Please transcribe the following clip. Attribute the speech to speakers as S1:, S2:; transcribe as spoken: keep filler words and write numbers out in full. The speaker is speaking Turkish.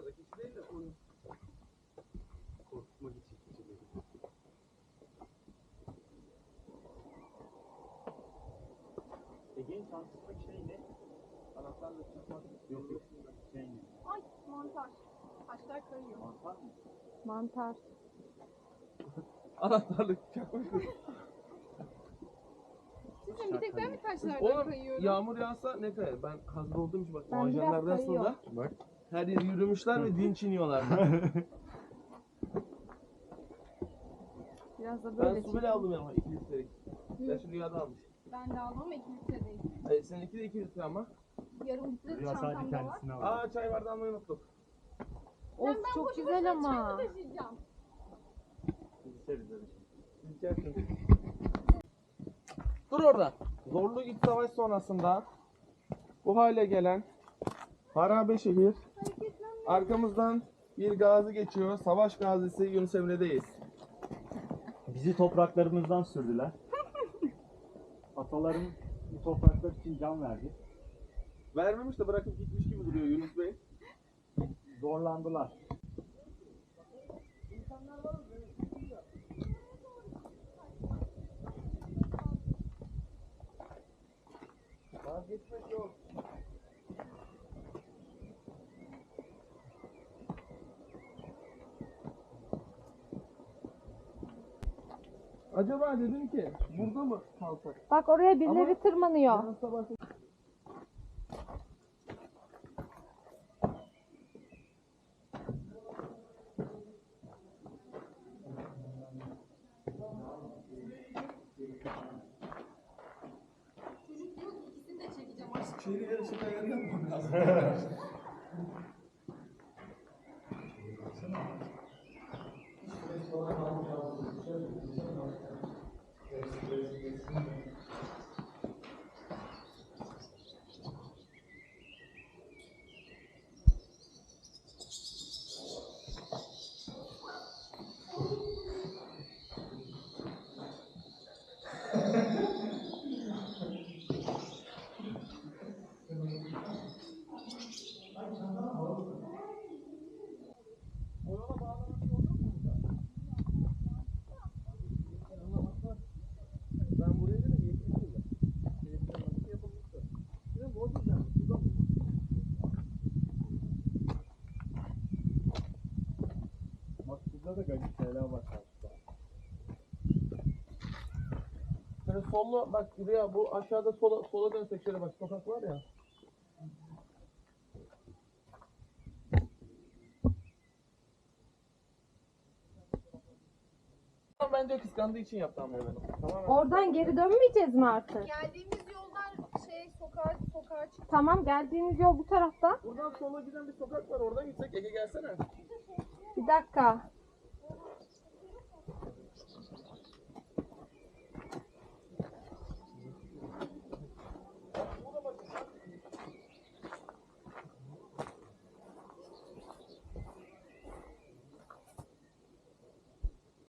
S1: Rakısı değil de onu korkutmak için.
S2: Ege'nin şanslılık şey ne? Anahtarla çıkmak yok yok. Şey ne?
S3: Ay mantar. Taşlar kayıyor.
S2: Mantar mı?
S4: Mantar.
S1: Anahtarlık çakmak.
S3: Sizin bir tek ben mi taşlardan
S1: Oğlum
S3: kayıyorum?
S1: yağmur yağsa ne kayar? Ben hazır olduğum için bak.
S4: Ben
S1: Muajenler
S4: biraz
S1: aslında
S2: Bak.
S1: her yeri yürümüşler ve dinç iniyorlar.
S4: Biraz da
S1: Ben
S4: böyle
S1: su bile aldım yanıma iki litrelik. Ben şu rüyada almış.
S3: Ben de almam ama iki litre değil.
S1: Hayır seninki de iki litre ama.
S3: Yarım litre
S2: Rüya sadece
S3: çantamda var.
S2: kendisini aldı.
S1: Aa çay bardağı almayı unuttuk.
S4: Of
S3: Ben
S4: çok
S3: boşu
S4: güzel
S3: boşuna
S4: ama.
S3: çay mı taşıyacağım?
S2: Biz içeriz öyle şey.
S1: Siz içersiniz. Dur orada. Zorlu iç savaş sonrasında bu hale gelen harabe şehir, arkamızdan bir gazi geçiyor. Savaş gazisi Yunus Emre'deyiz.
S2: Bizi topraklarımızdan sürdüler. Ataların bu topraklar için can verdi.
S1: Vermemiş de bırakıp gitmiş gibi duruyor Yunus Bey.
S2: Zorlandılar.
S1: Vazgeçmek yok. Acaba dedim ki burada mı kalsak?
S4: Bak oraya birileri
S1: Ama-
S4: tırmanıyor.
S1: Yarın sabah
S3: Çocuk diyor ki ikisini de çekeceğim aşkım.
S1: şehirler ışık ayarı yapmam lazım. Ben buraya dedim yetmiş yılda. Televizyonda nasıl yapılmıştı? Şimdi o yüzden suda mı?
S2: Bak burada da gacı şeyler var karşıda.
S1: Şöyle sollu bak Rüya bu aşağıda sola, sola dönsek şöyle bak sokak var ya. Bence kıskandığı için yaptı ama onu. Tamamen.
S4: Oradan geri dönmeyeceğiz mi artık?
S3: Geldiğimiz yoldan şey sokağa sokağa çık.
S4: Tamam geldiğimiz yol bu tarafta.
S1: Buradan sola giden bir sokak var oradan gitsek Ege gelsene.
S4: Bir dakika.